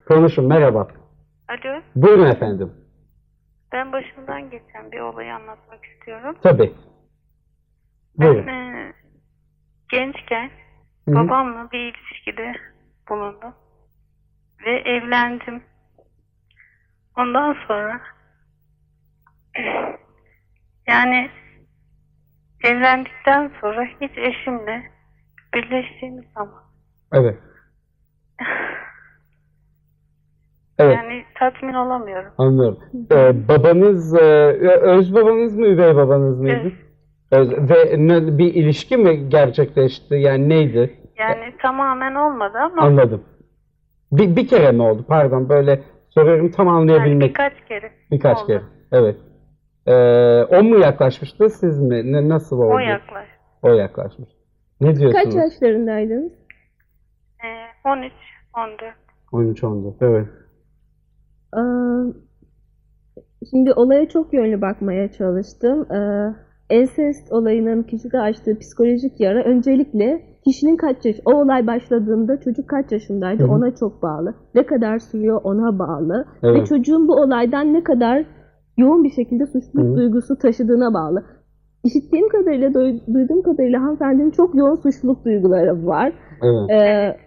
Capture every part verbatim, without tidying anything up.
Konuşun, merhaba. Alo, Buyurun efendim. ben başımdan geçen bir olayı anlatmak istiyorum. Tabii. Ben Buyurun. e, gençken Hı hı. babamla bir ilişkide bulundum ve evlendim. Ondan sonra yani evlendikten sonra hiç eşimle birleştiğimiz zaman Evet. Evet. yani tatmin olamıyorum. Anlıyorum. Ee, babanız, e, öz babanız mı, üvey babanız mıydı? Öz. Öz. Ve ne- bir ilişki mi gerçekleşti? Yani neydi? Yani tamamen olmadı ama Anladım. Bir, bir kere mi oldu? Pardon, böyle soruyorum tam yani anlayabilmek. birkaç kere Birkaç oldu. kere. Evet. Ee, o mu yaklaşmıştı, siz mi? Ne, nasıl oldu? O yaklaş. O yaklaşmış. Ne Kaç diyorsunuz? yaşlarındaydınız? E, on üç on dört. on üç on dört. Evet. Aa, şimdi olaya çok yönlü bakmaya çalıştım. Ee, ensest olayının kişide açtığı psikolojik yara öncelikle kişinin kaç yaş, o olay başladığında çocuk kaç yaşındaydı Hı hı. ona çok bağlı. Ne kadar sürüyor ona bağlı. Ve Evet. çocuğun bu olaydan ne kadar yoğun bir şekilde suçluluk Hı hı. duygusu taşıdığına bağlı. İşittiğim kadarıyla, duy- duyduğum kadarıyla hanımefendinin çok yoğun suçluluk duyguları var. Evet. Ee,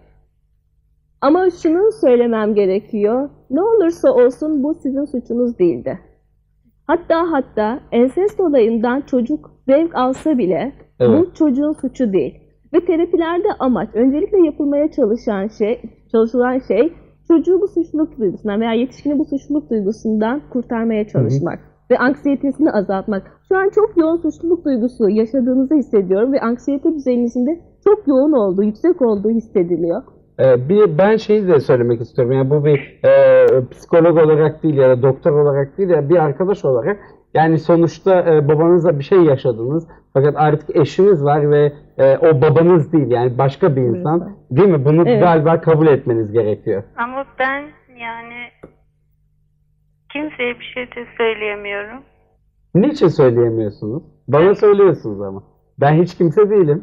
Ama şunu söylemem gerekiyor. Ne olursa olsun bu sizin suçunuz değildi. Hatta hatta ensest olayından çocuk zevk alsa bile Evet. bu çocuğun suçu değil. Ve terapilerde amaç, öncelikle yapılmaya çalışan şey, çalışılan şey çocuğu bu suçluluk duygusundan veya yetişkini bu suçluluk duygusundan kurtarmaya çalışmak ve anksiyetesini azaltmak. Şu an çok yoğun suçluluk duygusu yaşadığınızı hissediyorum ve anksiyete düzeyinizin de çok yoğun olduğu, yüksek olduğu hissediliyor. Ee, bir ben şeyi de söylemek istiyorum. Yani bu bir e, psikolog olarak değil ya da doktor olarak değil ya bir arkadaş olarak, yani sonuçta e, babanızla bir şey yaşadınız fakat artık eşiniz var ve e, o babanız değil, yani başka bir insan, Evet. değil mi? Bunu Evet. galiba kabul etmeniz gerekiyor. Ama ben yani kimseye bir şey de söyleyemiyorum. Niçin söyleyemiyorsunuz? Bana Ben- söylüyorsunuz ama. Ben hiç kimse değilim.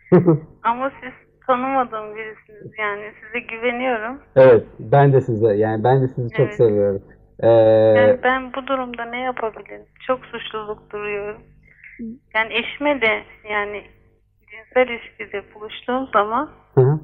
Ama siz tanımadığım birisiniz, yani size güveniyorum. Evet, ben de size, yani ben de sizi çok Evet. seviyorum. Ee, Yani ben bu durumda ne yapabilirim? Çok suçluluk duyuyorum. Yani eşime de yani cinsel ilişkide buluştuğum zaman hı hı,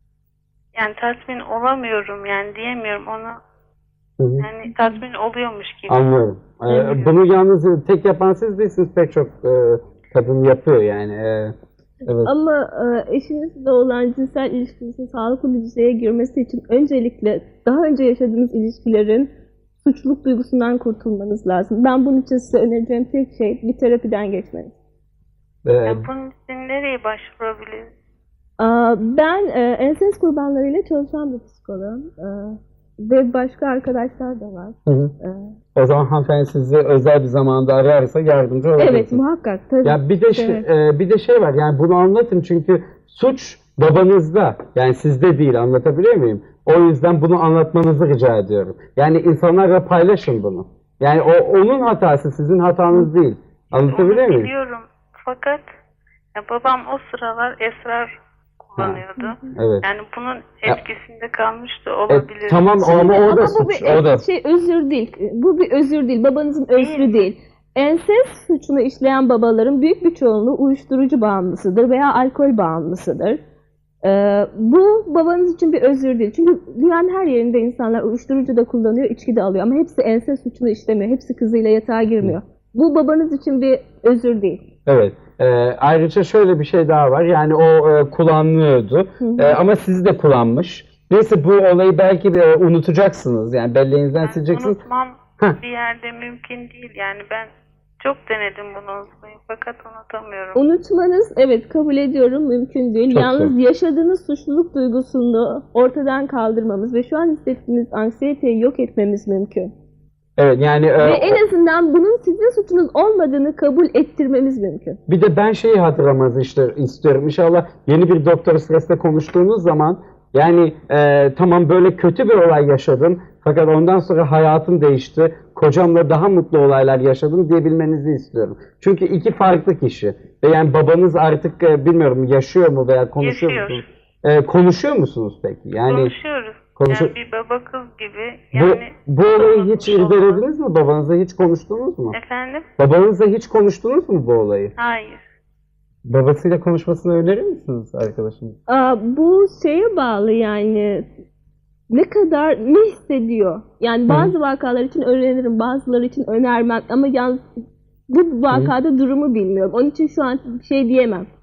yani tatmin olamıyorum, yani diyemiyorum ona, hı hı. yani tatmin oluyormuş gibi. Anlıyorum. Ee, Evet. bunu yalnız tek yapan siz değilsiniz, pek çok e, kadın yapıyor yani. Ee, evet. Ama e, eşinizle olan cinsel ilişkinizin sağlıklı bir düzeye girmesi için öncelikle daha önce yaşadığınız ilişkilerin suçluluk duygusundan kurtulmanız lazım. Ben bunun için size önereceğim tek şey bir terapiden geçmeniz. Ee, Yani bunun için nereye başvurabiliriz? Aa, Ben e, ensest kurbanlarıyla çalışan bir psikoloğum. E, ve başka arkadaşlar da var. hı hı. E, O zaman hanımefendi sizi özel bir zamanda ararsa yardımcı olabilirsiniz. evet, muhakkak. Tabii. Ya bir de şey, Evet. e, bir de şey var, yani bunu anlatın çünkü suç babanızda, yani sizde değil, anlatabiliyor muyum? O yüzden bunu anlatmanızı rica ediyorum. Yani insanlarla paylaşın bunu. Yani o onun hatası, sizin hatanız değil. Anlatabiliyor Onu muyum? biliyorum fakat ya babam o sıralar esrar kullanıyordu. Evet. Yani bunun Ya- etkisinde kalmış da E, olabilir. tamam ama Şimdi- o da ama bu suç. bir O da. şey özür değil. Bu bir özür değil. Babanızın özrü Değil mi? değil. Ensest suçunu işleyen babaların büyük bir çoğunluğu uyuşturucu bağımlısıdır veya alkol bağımlısıdır. Ee, bu babanız için bir özür değil. Çünkü dünyanın her yerinde insanlar uyuşturucu da kullanıyor, içki de alıyor. Ama hepsi ensest suçunu işlemiyor. Hepsi kızıyla yatağa girmiyor. Bu babanız için bir özür değil. Evet. Ee, ayrıca şöyle bir şey daha var. Yani o e, kullanıyordu. hı. E, ama sizi de kullanmış. Neyse, bu olayı belki de unutacaksınız. Yani belleğinizden Yani sileceksiniz. unutmam Heh. bir yerde mümkün değil. Yani ben çok denedim bunu unutmayı fakat unutamıyorum. Unutmanız, evet kabul ediyorum, mümkün değil. Çok Yalnız zor. yaşadığınız suçluluk duygusunu ortadan kaldırmamız ve şu an hissettiğiniz anksiyeteyi yok etmemiz mümkün. Evet, yani e, Ve en azından bunun sizin suçunuz olmadığını kabul ettirmemiz mümkün. bir de ben şeyi hatırlamanızı işte istiyorum. İnşallah yeni bir doktor stresle konuştuğunuz zaman, yani e, tamam böyle kötü bir olay yaşadım fakat ondan sonra hayatım değişti. Kocamla daha mutlu olaylar yaşadım diyebilmenizi istiyorum. Çünkü iki farklı kişi. Ve yani babanız artık e, bilmiyorum yaşıyor mu veya konuşuyor Yaşıyor. musunuz? E, konuşuyor musunuz peki? Yani Konuşuyoruz. Konuşu- Yani bir baba kız gibi. bu, Yani bu olayı hiç unutmuş olmaz. irdelediniz mi? Babanızla hiç konuştunuz mu? Efendim? Babanızla hiç konuştunuz mu bu olayı? Hayır. Babasıyla konuşmasını önerir misiniz arkadaşınız? Aa, bu şeye bağlı yani ne kadar ne hissediyor. Yani bazı vakalar için öneririm, bazıları için önermem ama yalnız bu vakada durumu bilmiyorum. Onun için şu an bir şey diyemem.